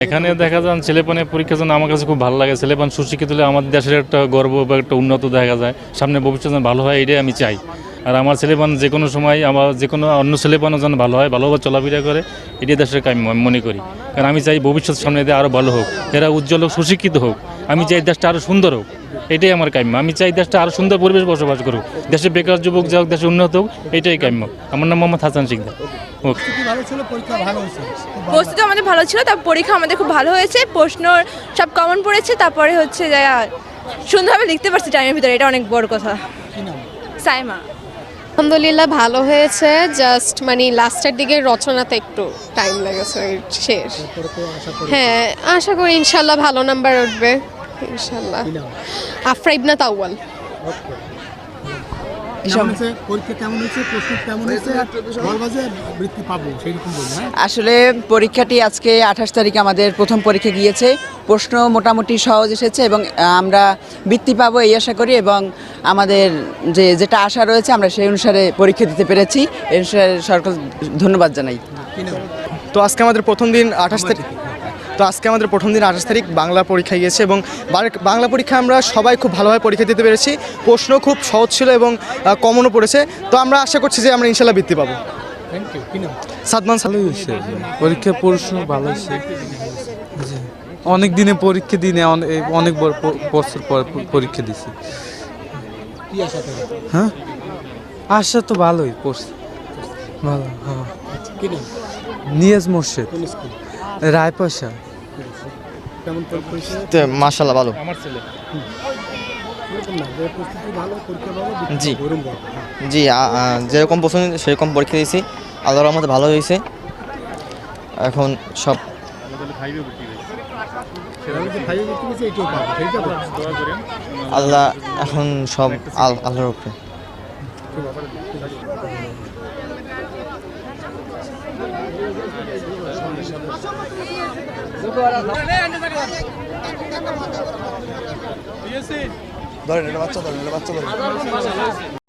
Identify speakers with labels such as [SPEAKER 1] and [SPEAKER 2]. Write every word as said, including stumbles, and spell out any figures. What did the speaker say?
[SPEAKER 1] এখানে দেখা যান ছেলেপানের পরীক্ষার জন্য আমার কাছে খুব ভালো লাগে। ছেলেপান সুশিক্ষিত হলে আমাদের দেশের একটা গর্ব বা একটা উন্নত দেখা যায়, সামনে ভবিষ্যৎ যেন ভালো হয়, এটাই আমি চাই। আর আমার ছেলেপান যে কোনো সময় আমার যে কোনো অন্য ছেলেপানও যেন ভালো হয়, ভালোভাবে চলাফেরা করে, এটাই দেশের কাম্য আমি মনে করি। কারণ আমি চাই ভবিষ্যৎ সামনে দিয়ে আরও ভালো হোক, এরা উজ্জ্বল হোক, সুশিক্ষিত হোক। আমি চাই দেশটা আরও সুন্দর হোক, এটাই আমার কাম্য। আমি চাই দেশটা আরও সুন্দর পরিবেশ বসবাস করুক, দেশে বেকার যুবক যা হোক, দেশে উন্নত হোক, এটাই কাম্য। আমার নাম মোহাম্মদ হাসান শিকদার। ওকে।
[SPEAKER 2] প্রস্তুতি আমাদের ভালো ছিল, তারপর পরীক্ষা আমাদের খুব ভালো হয়েছে, প্রশ্ন সব কমন পড়েছে, তারপরে হচ্ছে যে সুন্দরভাবে লিখতে পারছি টাইমের ভিতরে, এটা অনেক বড় কথা। সাইমা।
[SPEAKER 3] আলহামদুলিল্লাহ ভালো হয়েছে, জাস্ট মানে লাস্টের দিকে রচনাতে একটু টাইম লেগেছে শেষ। হ্যাঁ আশা করি ইনশাল্লাহ ভালো নাম্বার উঠবে ইনশাল্লাহ। আফরা ইবনা তাওয়াল।
[SPEAKER 4] আসলে পরীক্ষাটি আজকে আঠাশ তারিখে আমাদের প্রথম পরীক্ষা গিয়েছে। প্রশ্ন মোটামুটি সহজ এসেছে এবং আমরা বৃত্তি পাবো এই আশা করি, এবং আমাদের যে যেটা আশা রয়েছে আমরা সেই অনুসারে পরীক্ষা দিতে পেরেছি, এই অনুসারে সরকার ধন্যবাদ জানাই।
[SPEAKER 5] তো আজকে আমাদের প্রথম দিন আঠাশ তারিখ তো আজকে আমাদের প্রথম দিন আঠাশ তারিখ বাংলা পরীক্ষা গিয়েছে, এবং বাংলা পরীক্ষা আমরা সবাই খুব ভালোভাবে পরীক্ষা দিতে পেরেছি। প্রশ্ন খুব সহজ ছিল এবং কমনও পড়েছে। তো আমরা আশা করছি যে আমরা ইনশাল্লাহ বৃত্তি পাবো। সাদমান
[SPEAKER 6] ভালোই হয়েছে, পরীক্ষা প্রশ্ন ভালো হয়েছে। অনেক দিনে পরীক্ষা দিনে অনেক বড় বছর পর পরীক্ষা দিছি। হ্যাঁ আশা তো ভালোই পড়ছে, ভালো। হ্যাঁ নিয়াজ মোর্শেদ, রায়পাশা।
[SPEAKER 7] মাশাআল্লাহ ভালো। জি জি যেরকম পছন্দ সেরকম পরীক্ষা দিয়েছি, আল্লাহর রহমতে ভালো হয়েছে। এখন সব আল্লাহ, এখন সব আল্লাহর উপরে।
[SPEAKER 8] ধরেন এটা বাচ্চা ধরেন এটা বাচ্চা ধরেন